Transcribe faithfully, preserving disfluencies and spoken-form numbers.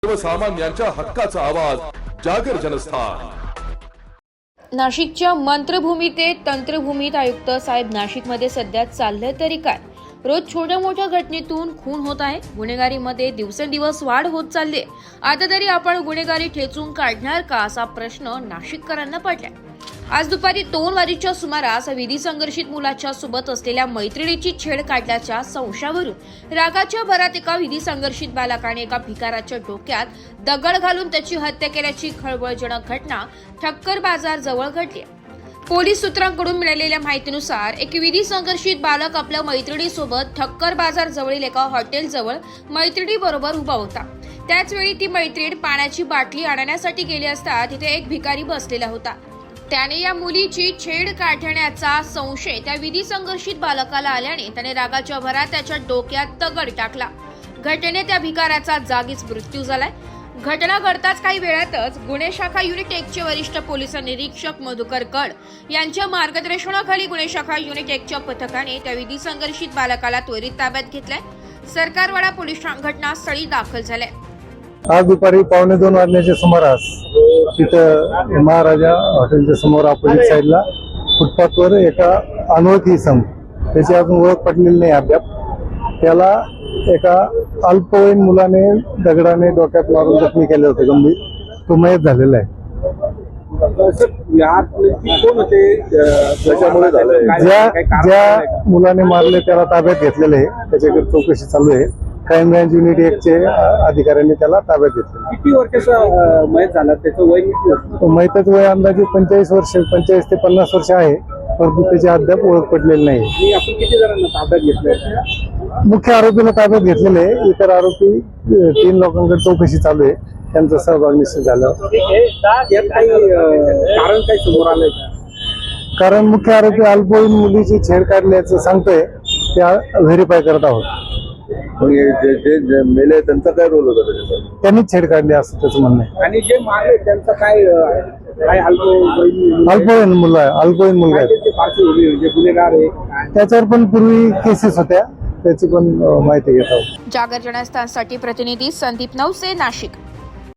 सर्वसामान्यांच्या हक्काचा आवाज जागर जनस्थान। नाशिकच्या मंत्रभूमी ते तंत्रभूमीत आयुक्त साहेब नाशिकमध्ये सध्या चाललंय तरी काय? रोज छोट्या मोठ्या घटनेतून खून होत आहे। गुन्हेगारीमध्ये दिवसेंदिवस वाढ होत चालली आहे। आता तरी आपण गुन्हेगारी ठेचून काढणार का असा प्रश्न नाशिककरांना पडलाय। आज दुपारी दोन वाजेच्या सुमारास विधी संघर्षित मुलाच्या सोबत असलेल्या मैत्रिणीची छेड काढल्याच्या संशयावरून रागाच्या भरात एका विधी संघर्षित बालकाने एका भिकाराच्या डोक्यात दगड घालून त्याची हत्या केल्याची खळबळजनक घटना ठक्कर बाजार जवळ घडली। पोलीस सूत्रांकडून मिळालेल्या माहितीनुसार एक विधी संघर्षित बालक आपल्या मैत्रिणीसोबत ठक्कर बाजार जवळील एका हॉटेल जवळ मैत्रिणीबरोबर उभा होता। त्याच वेळी ती मैत्रीण पाण्याची बाटली आणण्यासाठी गेली असता तिथे एक भिकारी बसलेला होता। त्याने या मुलीची छेड काढण्याचा संशय त्या विधी संघर्षित बालकाला आल्याने त्याने रागाच्या भरात त्याच्या डोक्यात दगड टाकला। घटनेत त्या भिकाराचा जागीच मृत्यू झालाय। घटना घडताच काही वेळातच गुन्हे शाखा युनिट एक चे वरिष्ठ पोलीस निरीक्षक मधुकर कड यांच्या मार्गदर्शनाखाली गुन्हे शाखा युनिट एक च्या पथकाने त्या विधी संघर्षित बालकाला त्वरित ताब्यात घेतलाय। सरकारवाडा पोलीस घटनास्थळी दाखल झाले। आज दुपारी पावणे दोन वाजण्याच्या सुमारास तिथं महाराजा हॉटेलच्या समोर अपोजिट साईडला फुटपाथवर एका अनोळखी इसम, त्याची अजून ओळख पटलेली नाही अद्याप, त्याला एका अल्पवयीन मुलाने दगडाने डोक्यात मारून जखमी केले होते गंभीर। तो मयत झालेला आहे। ज्या ज्या मुलाने मारले त्याला ताब्यात घेतलेले आहे, त्याच्याकडे चौकशी चालू आहे। क्राईम ब्रांच युनिट एक चे अधिकाऱ्यांनी त्याला ताब्यात घेतले। किती वर्षाचा मयत झाला? त्याचं वय किती? मयताचं वय अंदाजे पंचेचाळीस वर्ष पंचेचाळीस ते पन्नास वर्ष आहे, परंतु त्याची अद्याप ओळख पडलेली नाही। आपण किती जणांना ताब्यात घेतलंय? मुख्य आरोपीला ताब्यात घेतलेले, इतर आरोपी तीन लोकांकडे चौकशी चालू आहे, त्यांचा सहभाग निश्चित झाला। यात काही कारण काही समोर आलंय का? कारण मुख्य आरोपी अल्पवयीन मुलीची छेड काढल्याचं सांगतोय, त्या व्हेरीफाय करत आहोत। जे जे मेले त्यांचा काय रोल होता त्याच्यात? त्यांनीच छेड काढली असं त्याचं म्हणणं आहे। आणि जे मारले त्यांचा काय काय अल्पवयीन अल्पवयीन मुलं आहे, अल्पवयीन मुलगा आहे, म्हणजे गुन्हेगार आहे, त्याच्यावर पण पूर्वी केसेस होत्या, त्याची पण माहिती घेत आहोत। जागर जनस्थानसाठी प्रतिनिधी संदीप नवसे, नाशिक।